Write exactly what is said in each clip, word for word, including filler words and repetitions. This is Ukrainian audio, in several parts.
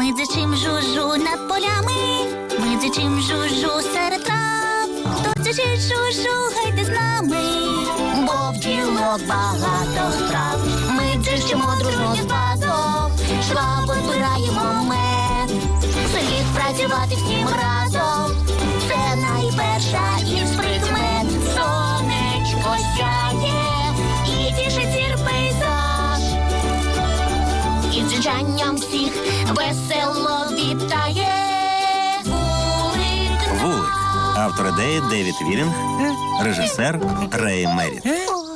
Ми дзичим жужу над полями, ми дзичим жужу серед трав. Хто дзичить жужу, гайте з нами, бо в ділок багато справ. Ми дзичимо дружно з басом, швабо збираємо мед. Слід працювати всім разом, це найперша із прикмет. Сонечко сяє і тішить зір пейзаж, і дзижанням всіх весело вітає вулик. Вулик. Автор ідеї Девід Вілінг, режисер Рей Мерріт.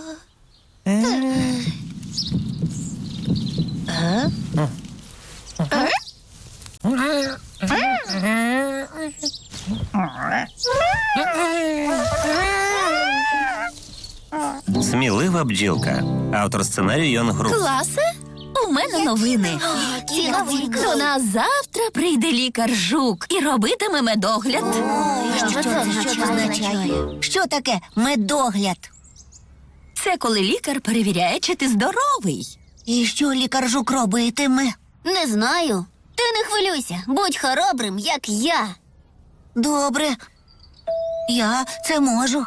Смілива бджілка. Автор сценарію Йон Грув. Класе, у мене новини. До нас завтра прийде лікар Жук і робитиме медогляд. Що це означає? Що таке медогляд? Це коли лікар перевіряє, чи ти здоровий. І що лікар Жук робитиме? Не знаю. Ти не хвилюйся, будь хоробрим, як я. Добре. Я це можу.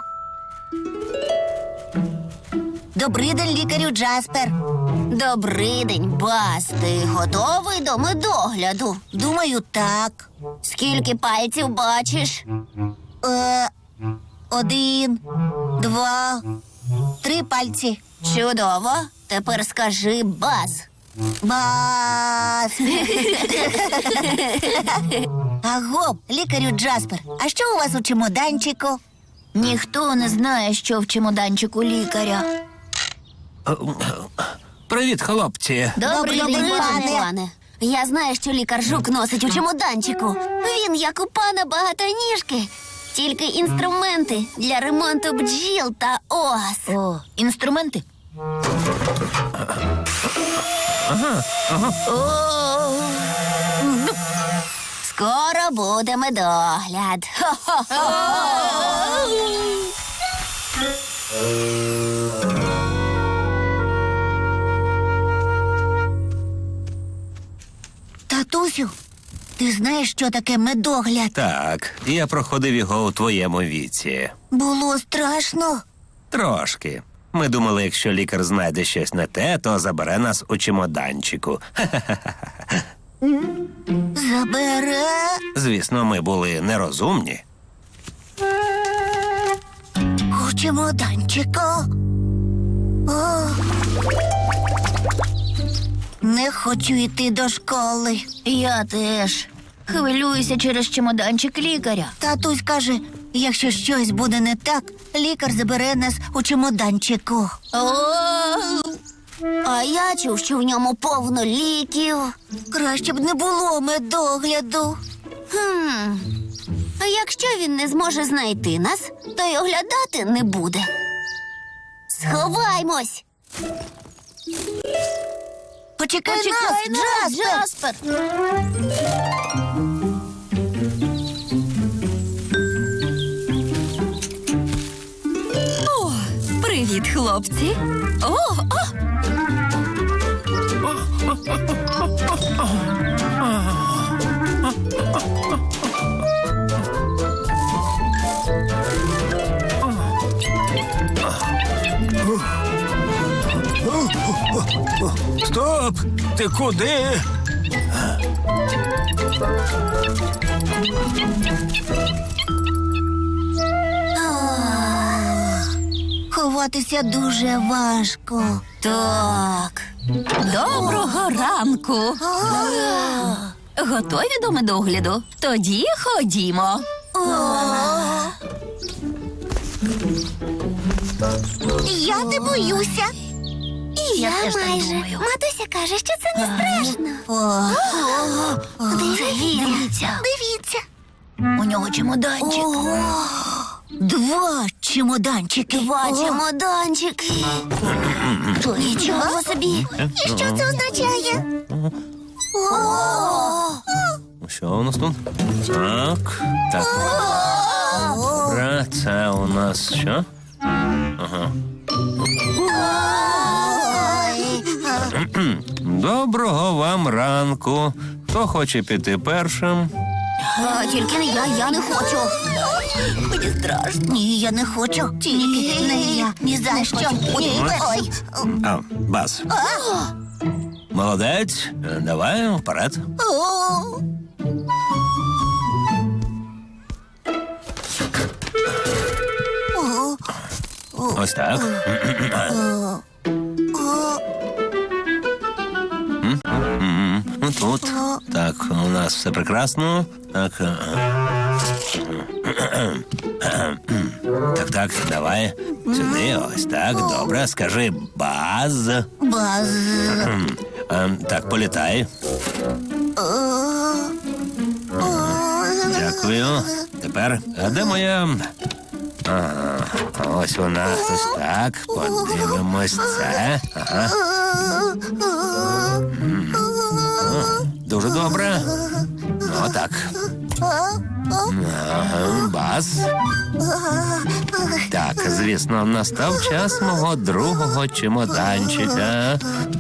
Добрий день, лікарю Джаспер. Добрий день, Баз. Ти готовий до медогляду? Думаю, так. Скільки пальців бачиш? Е, один, два, три пальці. Чудово. Тепер скажи Баз. Бас. Аго, лікарю Джаспер, а що у вас у чемоданчику? Ніхто не знає, що в чемоданчику лікаря. Привіт, хлопці. Добрий, Добрий день, день, пане. пане. пане. Я знаю, що лікар Жук носить у чемоданчику. Він, як у пана багатоніжки. Тільки інструменти для ремонту бджіл та ос. О, інструменти? Скоро буде медогляд. Хо-хо-хо! Татусю, ти знаєш, що таке медогляд? Так, я проходив його у твоєму віці. Було страшно. Трошки. Ми думали, якщо лікар знайде щось не те, то забере нас у чемоданчику. Забере. Звісно, ми були нерозумні. У чемоданчику. О. Не хочу йти до школи. Я теж. Хвилююся через чемоданчик лікаря. Татусь каже, якщо щось буде не так, лікар забере нас у чемоданчику. О, А я чув, що в ньому повно ліків. Краще б не було медогляду. Хм. А якщо він не зможе знайти нас, то й оглядати не буде. Сховаймось! Почекай, Почекай нас, нас, Джаспер. Джаспер! О, привіт, хлопці. О, о! Стоп! Ти куди? Ховатися дуже важко. Так. Доброго ранку. Готові до медогляду? Тоді ходімо. Я не боюся. І я, теж так майже. думаю. Матуся каже, що це не страшно. О, Дивіться. дивіться. У нього чемоданчик. Два чемоданчики. Два О, чемоданчики. Нічого собі. І що це означає? Що у нас тут? Так, так. Добре, це у нас що? Ага. Доброго вам ранку. Хто хоче піти першим? А, тільки не я, я не хочу. Мені страшно. Ні, я не хочу. Тільки не я. Ні за що. Ні. Ой. А, Баз. Молодець. Давай вперед. О. Ось так. М? М. Ну, тут. Так, у нас все прекрасно. Так. е, Так, так, давай. Сюди, ось так. Добре. Скажи баз. Баз. Е, Так, політай. Дякую. Тепер, а де моя. Ага, ось вона. Ось так. Подивимось це. Ага. М. О, дуже добре. Ну, так. Ага, бас. Так, звісно, настав час мого другого чемоданчика.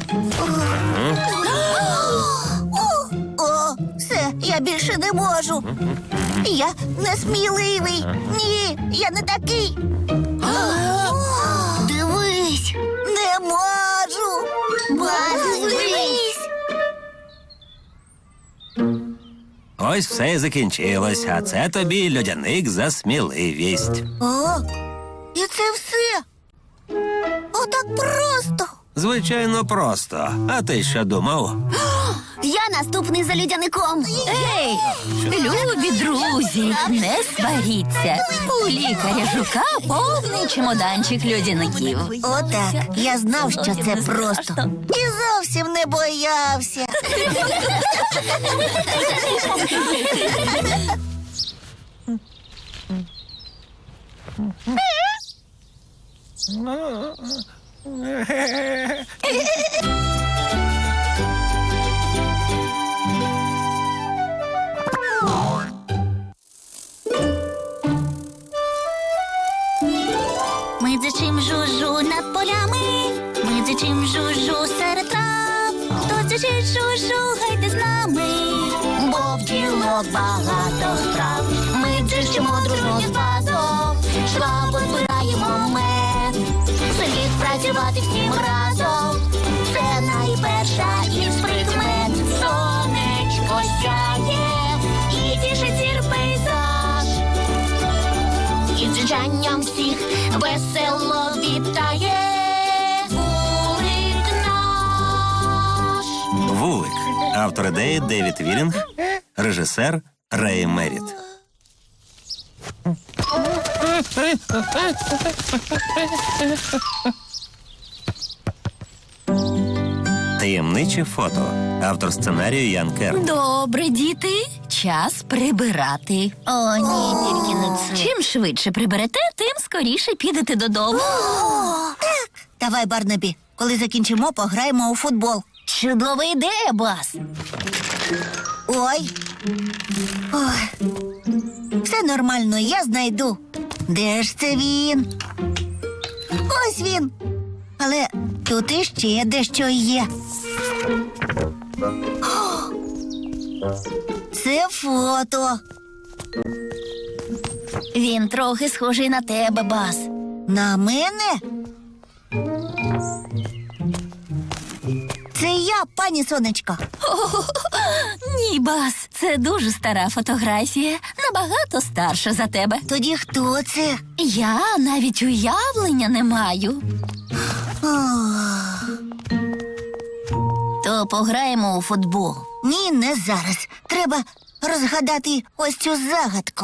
О, все, я більше не можу. Я несміливий. Ні, я не такий. Дивись. Не можу. Баз, дивись. Ось все і закінчилось, а це тобі льодяник за сміливість. О, і це все. Отак просто. Звичайно, просто. А ти що думав? Я наступний за людяником. Ей, любі друзі, не сваріться. У лікаря жука повний чемоданчик льодяників. Отак. Я знав, що це просто. І зовсім не боявся. Ми дзичим жужу над полями, ми дзичим жужу серед трав. Хто дзичить жужу, гайте з нами, бо в ділок багато справ. Ми дзичимо дружно з базом, швабо збираємо мед. Слід працювати всім разом, це найперша із прикмет. Сонечко сяє і тішить зір пейзаж. І дзижанням всіх весело вітає вулик наш. Вулик. Автор ідеї Девід Вілінг, режисер Рей Меріт. Таємниче фото. Автор сценарію Ян Керн. Добре, діти, час прибирати. О, ні, тільки не це. Чим швидше приберете, тим скоріше підете додому. Давай, Барнабі, коли закінчимо, пограємо у футбол. Чудова ідея, Бас. Ой. Ой. Все нормально, я знайду. Де ж це він? Ось він. Але тут іще дещо є. О! Це фото. Він трохи схожий на тебе, Бас. На мене? Це я, пані сонечко. Ні, Бас, це дуже стара фотографія, набагато старша за тебе. Тоді хто це? Я навіть уявлення не маю. То пограємо у футбол. Ні, не зараз. Треба розгадати ось цю загадку.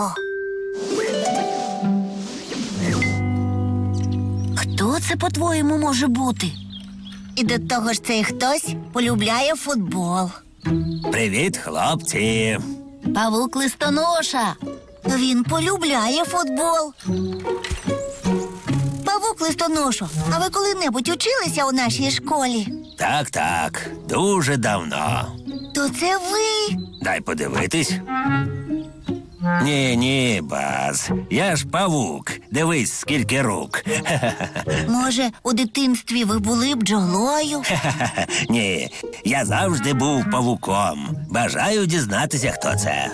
Хто це, по-твоєму, може бути? І до того ж цей хтось полюбляє футбол. Привіт, хлопці. Павук Листоноша. Він полюбляє футбол. Павук Листоношо, а ви коли-небудь училися у нашій школі? Так, так, дуже давно. То це ви. Дай подивитись. Ні, ні, Баз. Я ж павук. Дивись, скільки рук. Може, у дитинстві ви були бджолою? Ні, я завжди був павуком. Бажаю дізнатися, хто це.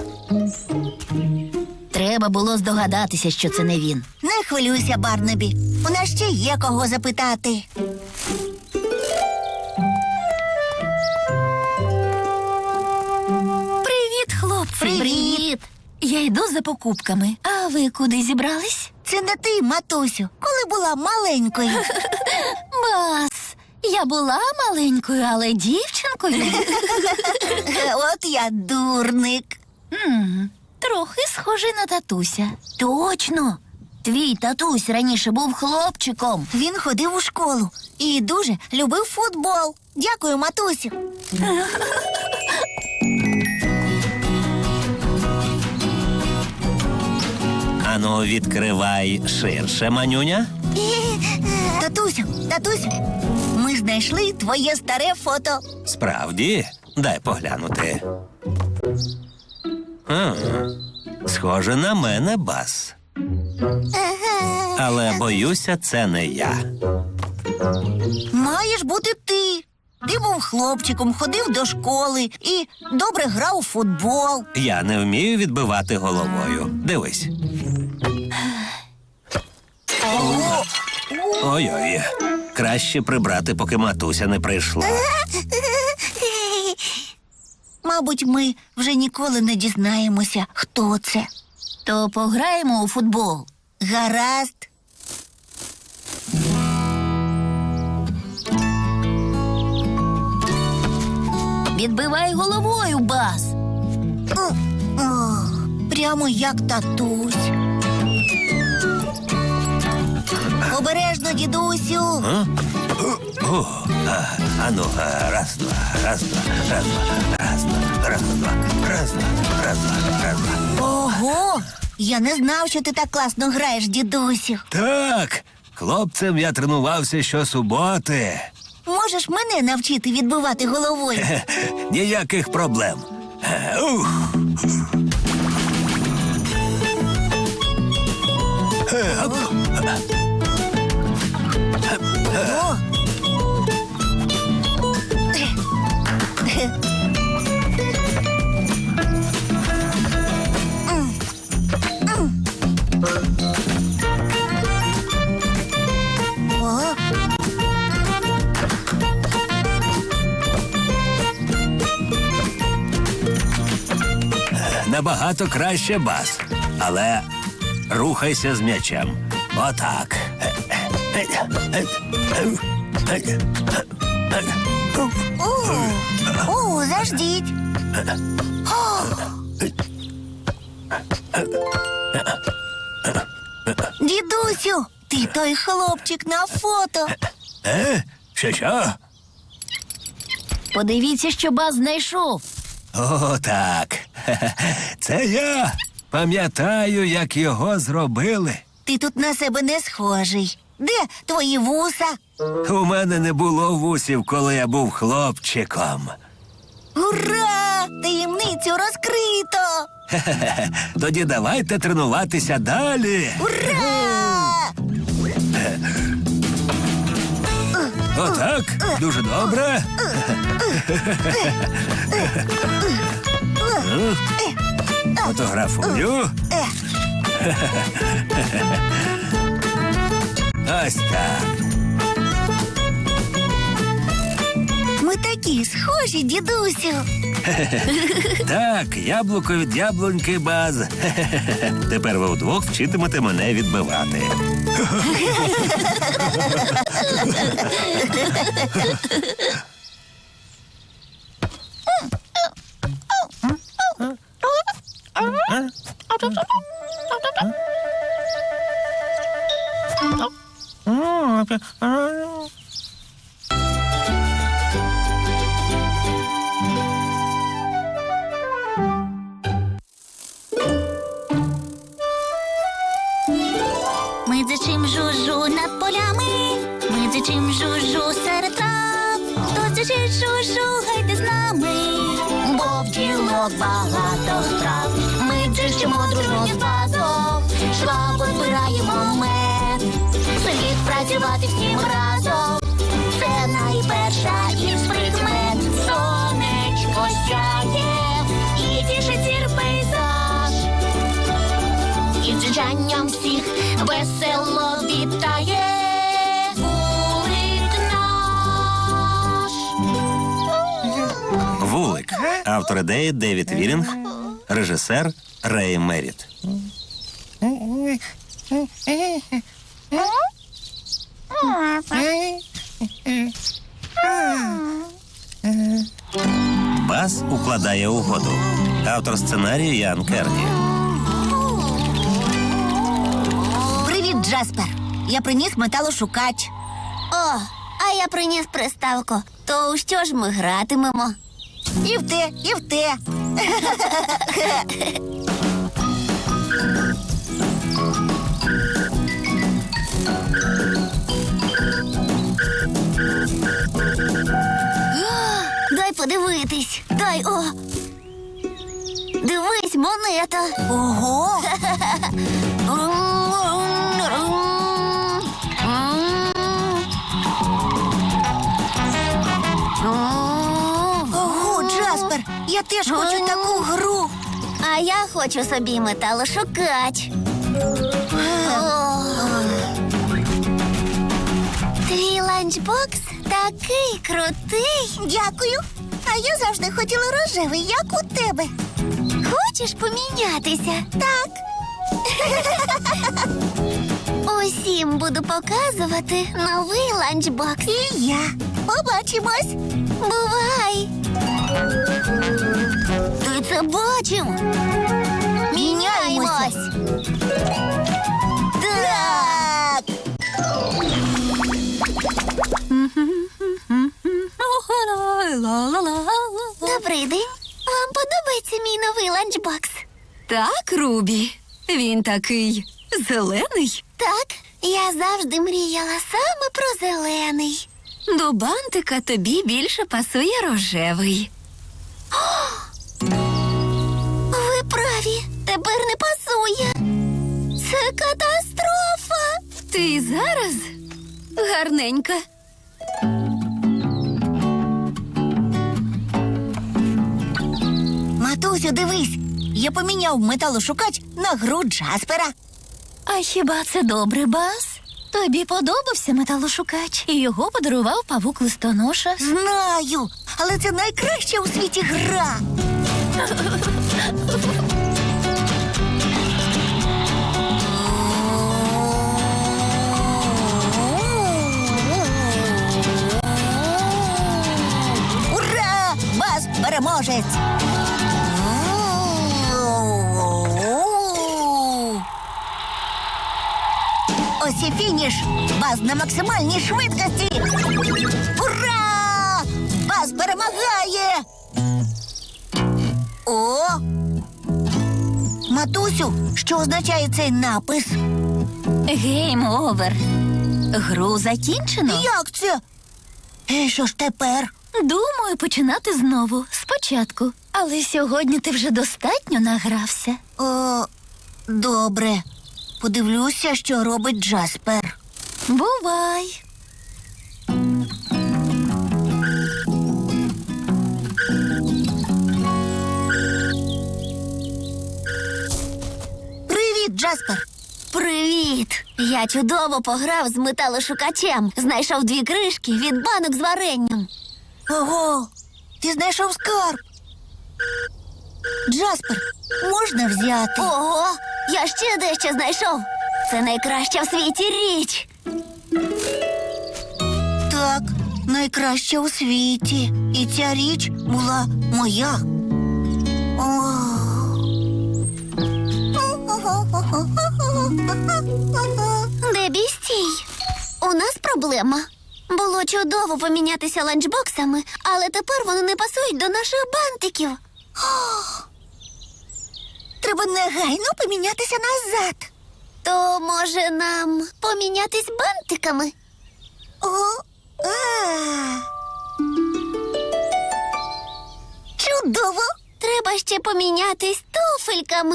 Треба було здогадатися, що це не він. Не хвилюйся, Барнабі. У нас ще є кого запитати. Привіт, хлопці. Привіт. Я йду за покупками. А ви куди зібрались? Це не ти, матусю, коли була маленькою. Бас, я була маленькою, але дівчинкою. От я дурник. М, Трохи схожий на татуся. Точно. Твій татусь раніше був хлопчиком. Він ходив у школу і дуже любив футбол. Дякую, матусю. Ану, відкривай ширше, манюня. Татусю, татусю, ми знайшли твоє старе фото. Справді, дай поглянути. А, схоже на мене, Бас. Але боюся, це не я. Маєш бути ти. Ти був хлопчиком, ходив до школи і добре грав у футбол. Я не вмію відбивати головою. Дивись. Ой-ой. Краще прибрати, поки матуся не прийшла. Мабуть, ми вже ніколи не дізнаємося, хто це. То пограємо у футбол. Гаразд. Відбивай головою, Бас. О, о, прямо як татусь. Обережно, дідусю. А? О, а, ану, а, раз, два, раз, два, раз, два, раз, два, раз, два, раз, два, раз, два, раз, два. Ого! Я не знав, що ти так класно граєш, дідусю. Так, хлопцем я тренувався щосуботи. Можеш мене навчити відбивати головою? Хе, ніяких проблем. Е, ух. Е, оп. О! О! Набагато краще, Бас. Але рухайся з м'ячем. Отак. О, о, заждіть. О! Дідусю, ти той хлопчик на фото. Е? Що, що? Подивіться, що Бас знайшов. О, так. Це я. Пам'ятаю, як його зробили. Ти тут на себе не схожий. Де твої вуса? У мене не було вусів, коли я був хлопчиком. Ура! Таємницю розкрито! Тоді давайте тренуватися далі. Ура! Отак, дуже добре. Фотографую. Ось так. Ми такі схожі, дідусю. Так, яблуко від яблуньки, Баз. Тепер ви вдвох вчитимете мене відбивати. Ми дзичим жужу над полями, ми дзичим жужу серед трав. Хто дзичить жужу, гайте з нами, бо в ділок багато страв. Ми дзичим Кличемо дружно з базом, швабо збираємо мед. Слід працювати всім разом, це найперша із прикмет. Сонечко сяє і тішить зір пейзаж. І дзижанням всіх весело вітає вулик наш. Вулик. Автор ідеї Девід Вірінг. Режисер Рей Меріт. Баз укладає угоду. Автор сценарію Ян Керні. Привіт, Джаспер. Я приніс металошукач. О, а я приніс приставку. То у що ж ми гратимемо? І в те, і в те. Дай подивитись. Дай, о. Дивись, монета. Ого! Ого, Джаспер, я теж хочу таку гру. А я хочу собі металошукач. О. Твій ланчбокс такий крутий. Дякую. А я завжди хотіла рожевий, як у тебе. Хочеш помінятися? Так. Усім буду показувати новий ланчбокс. І я. Побачимось. Бувай! Ти це бачив? Міняємось! Так. Добрий день! Вам подобається мій новий ланчбокс? Так, Рубі. Він такий зелений. Так, я завжди мріяла саме про зелений. До бантика тобі більше пасує рожевий. Ви праві, тепер не пасує. Це катастрофа. Ти зараз гарненька. Матусю, дивись. Я поміняв металошукач на гру Джаспера. А хіба це добре, Баз? Тобі подобався металошукач, і його подарував павук-листоноша. Знаю, але це найкраща у світі гра. Ура! Баз переможець! Ось і фініш! Баз на максимальній швидкості! Ура! Баз перемагає! О! Матусю, що означає цей напис? Гейм овер. Гру закінчено. Як це? І що ж тепер? Думаю, починати знову, спочатку. Але сьогодні ти вже достатньо награвся. О, добре. Подивлюся, що робить Джаспер. Бувай. Привіт, Джаспер. Привіт! Я чудово пограв з металошукачем. Знайшов дві кришки від банок з варенням. Ого, ти знайшов скарб. Джаспер, можна взяти? Ого, я ще дещо знайшов. Це найкраща в світі річ. Так, найкраща у світі. І ця річ була моя. О. Дебі, стій. У нас проблема. Було чудово помінятися ланчбоксами, але тепер вони не пасують до наших бантиків. Треба негайно помінятися назад. То, може, нам помінятись бантиками? О, а. Чудово! Треба ще помінятись туфельками.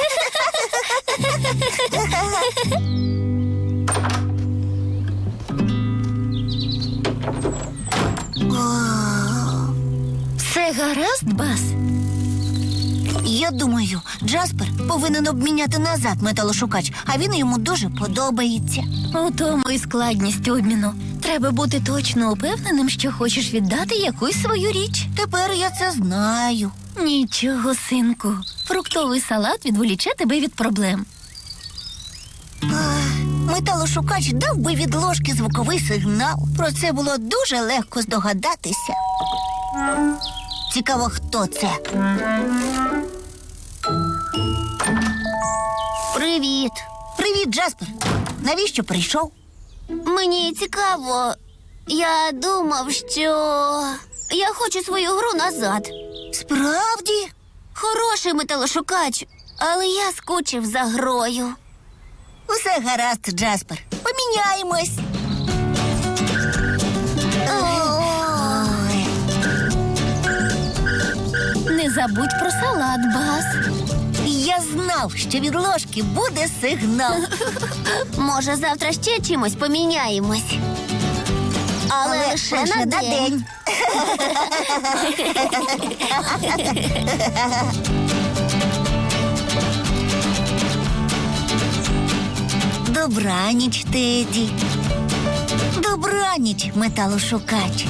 Все гаразд, Бас? Я думаю, Джаспер повинен обміняти назад металошукач, а він йому дуже подобається. У тому і складність обміну. Треба бути точно упевненим, що хочеш віддати якусь свою річ. Тепер я це знаю. Нічого, синку. Фруктовий салат відволіче тебе від проблем. Металошукач дав би від ложки звуковий сигнал. Про це було дуже легко здогадатися. Цікаво, хто це? Привіт. Привіт, Джаспер. Навіщо прийшов? Мені цікаво. Я думав, що я хочу свою гру назад. Справді? Хороший металошукач, але я скучив за грою. Усе гаразд, Джаспер. Поміняємось. Ой. Не забудь про салат, Бас. Я знав, що від ложки буде сигнал. Може, завтра ще чимось поміняємось. Але, лише, на день. Добраніч, Теді. Добраніч, металошукач.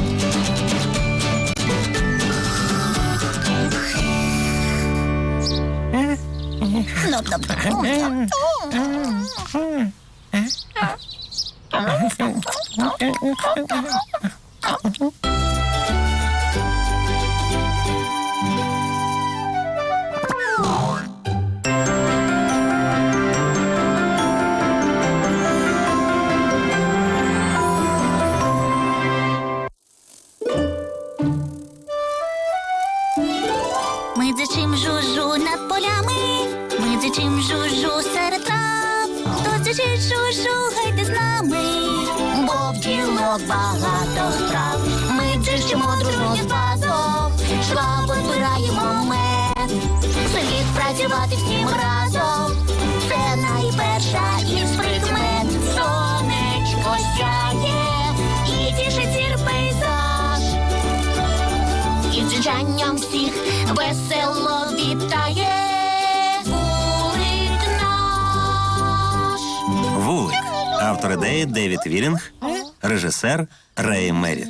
Ми дзичим жужу над полями, ми дзичим жужу серед трав. Хто дзичить жужу, гайте з нами, бо в ділок багато справ. Ми дзичимо дружно з басом, швабо збираємо мед. Слід працювати всім разом, це найперша із прикмет. Сонечко сяє і тішить зір пейзаж. І дзижанням всіх весело вітає вулик наш. Вулик. Автор ідеї Девід Вілінг, режисер Рей Меріт.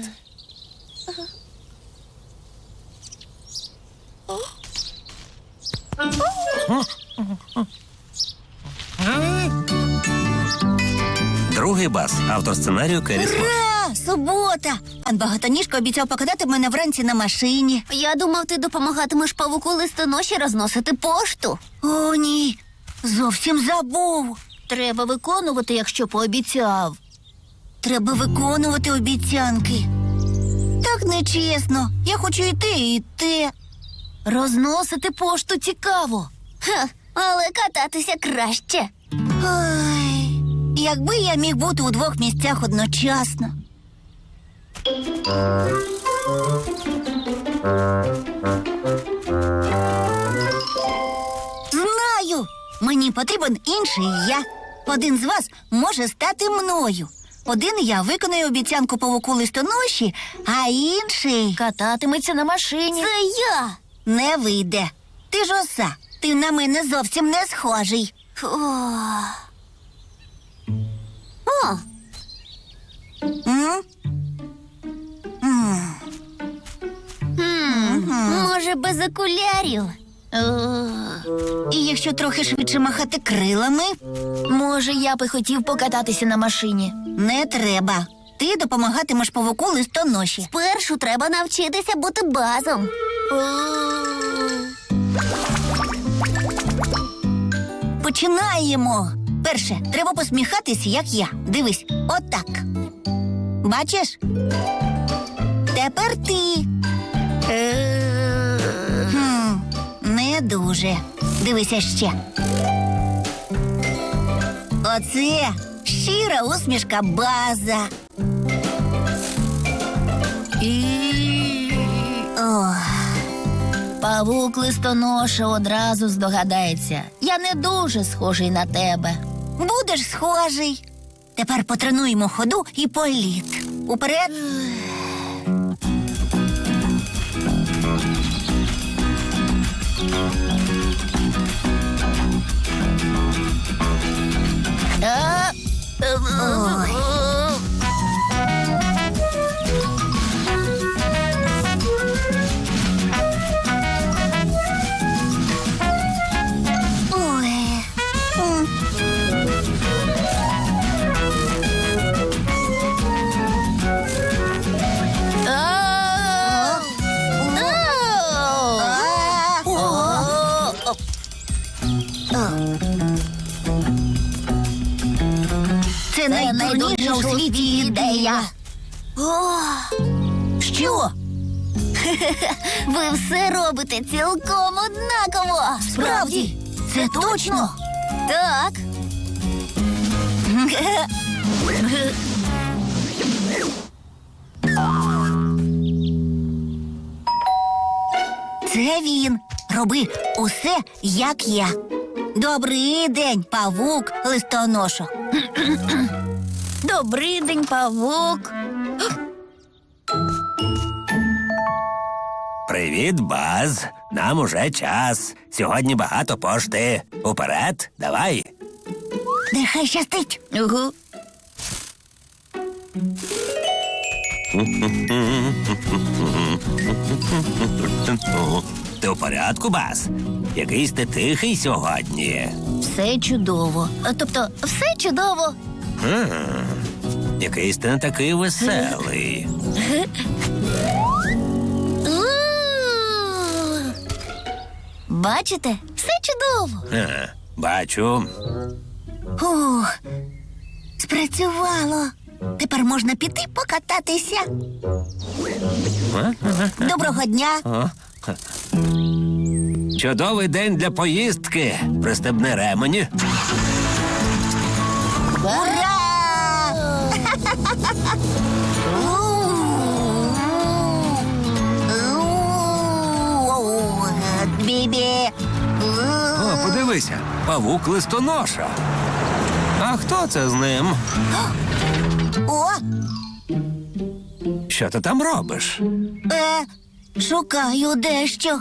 Другий Бас. Автор сценарію Керрі Смот. Ура! Субота! Пан Багатоніжко обіцяв покатати мене вранці на машині. Я думав, ти допомагатимеш павуку листоноші розносити пошту. О, ні, зовсім забув. Треба виконувати, якщо пообіцяв. Треба виконувати обіцянки. Так нечесно. Я хочу і те, і те. Розносити пошту цікаво. Ха, але кататися краще. Ой, якби я міг бути у двох місцях одночасно. Знаю! Мені потрібен інший я. Один з вас може стати мною. Один я виконаю обіцянку павуку листоноші, а інший Кататиметься на машині. Це я. не вийде. Ти ж оса, ти на мене зовсім не схожий. О. О, М? М. м, може, без окулярів? І якщо трохи швидше махати крилами, Може, я би хотів покататися на машині. не треба. Ти допомагатимеш павуку листоноші. Спершу треба навчитися бути базом. Починаємо. Перше, треба посміхатись, як я. Дивись, отак. Бачиш? Тепер ти. Хм, не дуже. Дивися ще. Оце щира усмішка база. І... Ох. Павук листоноша одразу здогадається. Я не дуже схожий на тебе. Будеш схожий. Тепер потренуємо ходу і політ. Уперед. А, Ой. Ой. М. а, А. О. Це найдурніша у світі ідея. Що? Ви все робите цілком однаково. Справді? Це точно? Так. Це він. Роби усе, як я. Добрий день, павук листоношо. Добрий день, павук. Привіт, Баз. Нам уже час. Сьогодні багато пошти. Уперед, давай. Нехай щастить. Угу. Ти у порядку, Баз? Якийсь ти тихий сьогодні. Все чудово. А, Тобто, все чудово. Якийсь ти не такий веселий. Бачите? Все чудово. Ага, бачу. Ух, спрацювало. Тепер можна піти покататися. Доброго дня. Чудовий день для поїздки. Пристебни ремені. Ура! Бібі. О, подивися, павук листоноша. А хто це з ним? О, Що ти там робиш? е, шукаю дещо.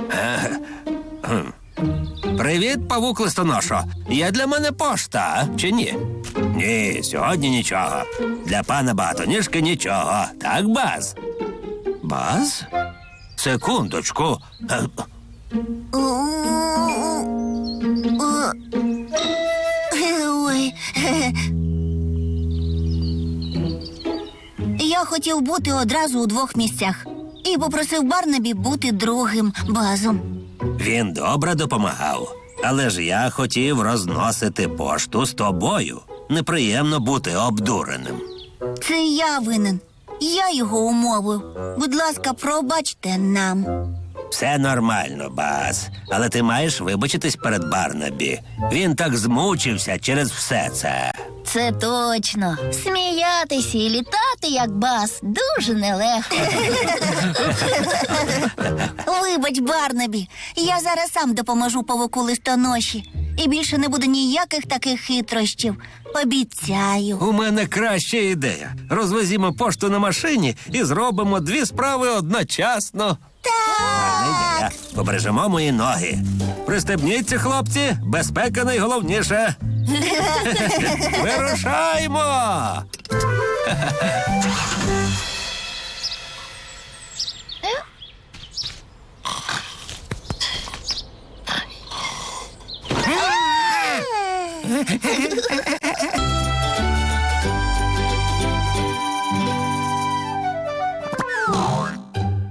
Привіт, павук листоношо. Є для мене пошта, чи ні? Ні, сьогодні нічого. Для пана Багатоніжки нічого. Так, Баз? Баз? Секундочку. Е, Ой. Я хотів бути одразу у двох місцях і попросив Барнабі бути другим базом. Він добре допомагав. Але ж я хотів розносити пошту з тобою. Неприємно бути обдуреним. Це я винен. Я його умовив. Будь ласка, пробачте нам. Все нормально, Баз. Але ти маєш вибачитись перед Барнабі. Він так змучився через все це. Це точно. Сміятися і літати, як бас, дуже нелегко. Вибач, Барнабі, я зараз сам допоможу павуку листоноші. І більше не буде ніяких таких хитрощів. Обіцяю. У мене краща ідея. Розвезімо пошту на машині і зробимо дві справи одночасно. Гарна ідея. Побережемо мої ноги. Пристебніться, хлопці, безпека найголовніше. Вирушаймо!